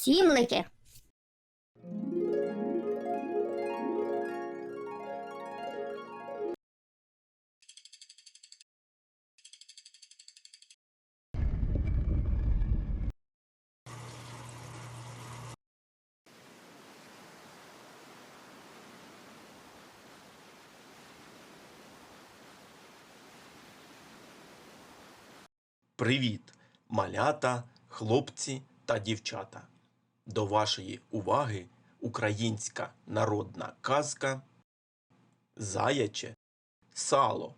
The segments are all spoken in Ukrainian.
Сімлики. Привіт, малята, хлопці та дівчата! До вашої уваги українська народна казка «Заяче сало».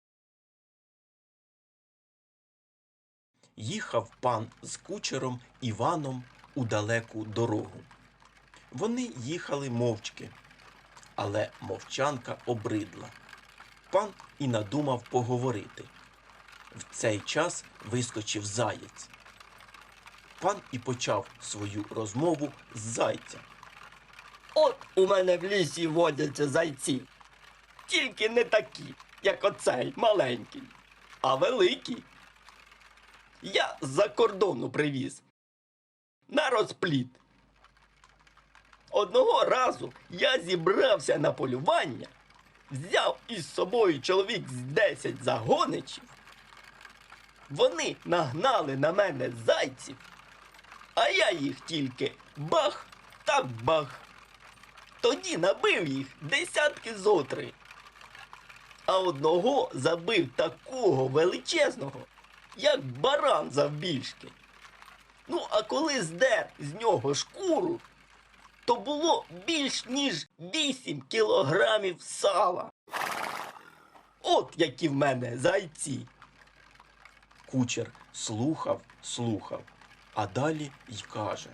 Їхав пан з кучером Іваном у далеку дорогу. Вони їхали мовчки, але мовчанка обридла. Пан і надумав поговорити. В цей час вискочив заєць. Пан і почав свою розмову з зайцем. От у мене в лісі водяться зайці. Тільки не такі, як оцей маленький, а великі. Я з-за кордону привіз. На розпліт. Одного разу я зібрався на полювання, взяв із собою чоловік з 10 загоничів. Вони нагнали на мене зайців, а я їх тільки бах та бах. Тоді набив їх десятки зо 3. А одного забив такого величезного, як баран завбільшки. Ну, а коли здер з нього шкуру, то було більш ніж 8 кілограмів сала. От які в мене зайці. Кучер слухав, а далі й каже.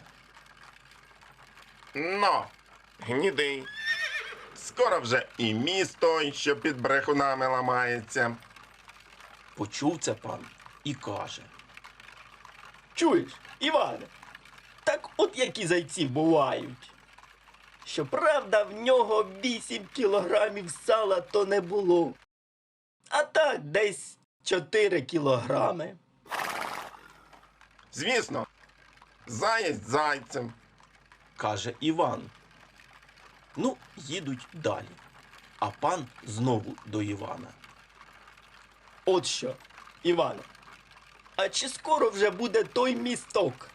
Но, гніди. Скоро вже і місто, що під брехунами ламається. Почув це пан і каже. Чуєш, Іване, так от які зайці бувають. Щоправда, в нього 8 кілограмів сала то не було. А так десь 4 кілограми. Звісно, заєць зайцем. Каже Іван. Ну, їдуть далі. А пан знову до Івана. От що, Іване, а чи скоро вже буде той місток?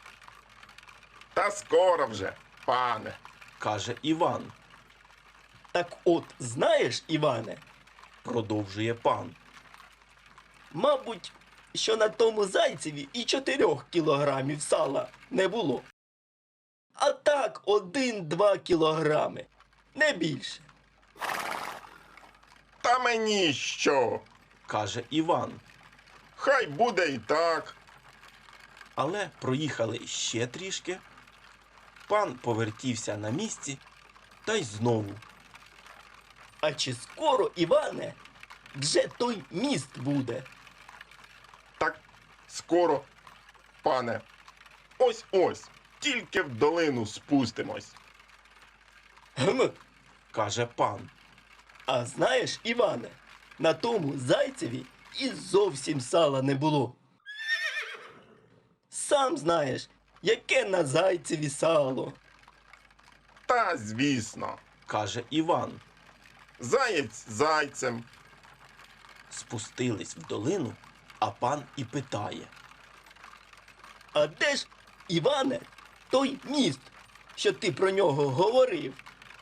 Та скоро вже, пане. Каже Іван. Так от, знаєш, Іване, Продовжує пан. мабуть, що на тому зайцеві і 4 кілограмів сала не було. А так 1-2 кілограми, не більше. Та мені що? Каже Іван. Хай буде і так. Але проїхали ще трішки. Пан повертівся на місці та й знову. А чи скоро, Іване, вже той міст буде? Так скоро, пане. Ось-ось, тільки в долину спустимось. Гм. Каже пан. А знаєш, Іване, на тому зайцеві і зовсім сала не було. Сам знаєш, яке на зайцеві сало. Та звісно, Каже Іван. заєць зайцем. Спустились в долину, а пан і питає. А де ж, Іване, той міст, що ти про нього говорив?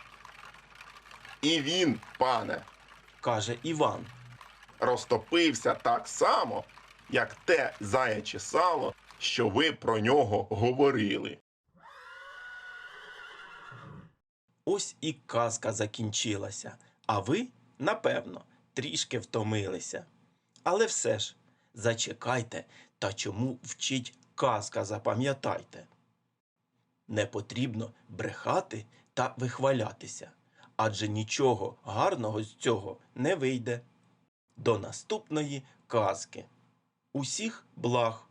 І він, пане, Каже Іван. розтопився так само, як те заяче сало, що ви про нього говорили. Ось і казка закінчилася, а ви, напевно, трішки втомилися. Але все ж, зачекайте, та чому вчить казка, запам'ятайте. Не потрібно брехати та вихвалятися, адже нічого гарного з цього не вийде. До наступної казки. Усіх благ!